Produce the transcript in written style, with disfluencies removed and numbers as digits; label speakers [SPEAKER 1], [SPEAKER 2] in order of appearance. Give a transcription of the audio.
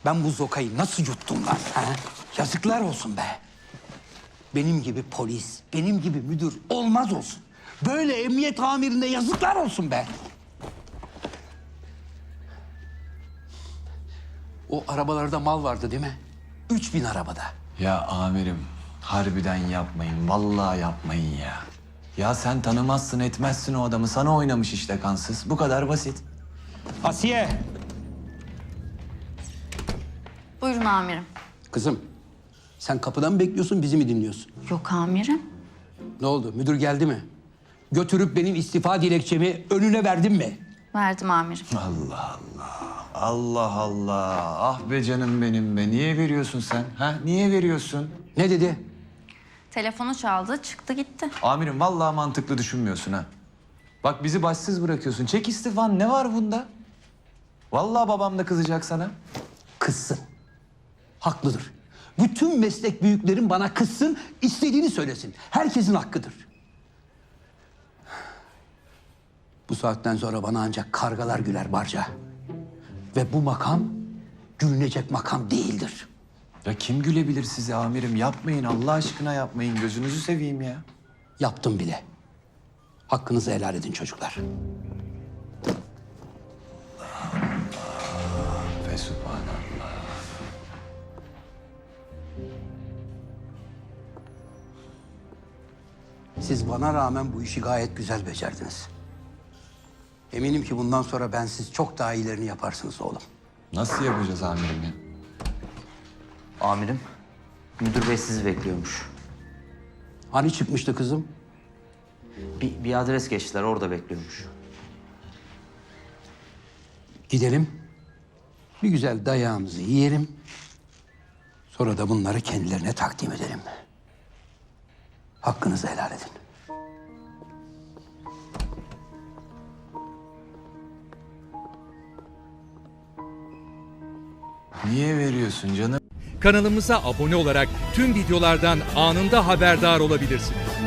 [SPEAKER 1] Ben bu zokayı nasıl yuttum lan? Ha? Yazıklar olsun be. Benim gibi polis, benim gibi müdür olmaz olsun. Böyle emniyet amirine yazıklar olsun be. O arabalarda mal vardı değil mi? 3000 arabada.
[SPEAKER 2] Ya amirim, harbiden yapmayın. Vallahi yapmayın ya. Ya sen tanımazsın etmezsin o adamı. Sana oynamış işte kansız. Bu kadar basit.
[SPEAKER 1] Asiye.
[SPEAKER 3] Buyurun amirim.
[SPEAKER 1] Kızım, sen kapıdan mı bekliyorsun, bizi mi dinliyorsun?
[SPEAKER 3] Yok amirim.
[SPEAKER 1] Ne oldu, müdür geldi mi? Götürüp benim istifa dilekçemi önüne verdin mi?
[SPEAKER 3] Verdim amirim.
[SPEAKER 2] Allah Allah. Allah Allah. Ah be canım benim be. Niye veriyorsun sen? Ha? Niye veriyorsun?
[SPEAKER 1] Ne dedi?
[SPEAKER 3] Telefonu çaldı, çıktı gitti.
[SPEAKER 2] Amirim vallahi mantıklı düşünmüyorsun ha. Bak bizi başsız bırakıyorsun. Çek istifan. Ne var bunda? Vallahi babam da kızacak sana.
[SPEAKER 1] Kızsın. Haklıdır. Bütün meslek büyüklerin bana kızsın, istediğini söylesin. Herkesin hakkıdır. Bu saatten sonra bana ancak kargalar güler Barca. Ve bu makam gülünecek makam değildir.
[SPEAKER 2] Ya kim gülebilir size amirim? Yapmayın Allah aşkına yapmayın. Gözünüzü seveyim ya.
[SPEAKER 1] Yaptım bile. Hakkınızı helal edin çocuklar.
[SPEAKER 2] Fesubhanallah.
[SPEAKER 1] Siz bana rağmen bu işi gayet güzel becerdiniz. Eminim ki bundan sonra ben siz çok daha iyilerini yaparsınız oğlum.
[SPEAKER 2] Nasıl yapacağız amirim ya?
[SPEAKER 4] Amirim, müdür bey sizi bekliyormuş.
[SPEAKER 1] Hani çıkmıştı kızım?
[SPEAKER 4] Bir adres geçtiler, orada bekliyormuş.
[SPEAKER 1] Gidelim. Bir güzel dayağımızı yiyelim. Sonra da bunları kendilerine takdim edelim. Hakkınızı helal edin.
[SPEAKER 2] Niye veriyorsun canım?
[SPEAKER 5] Kanalımıza abone olarak tüm videolardan anında haberdar olabilirsiniz.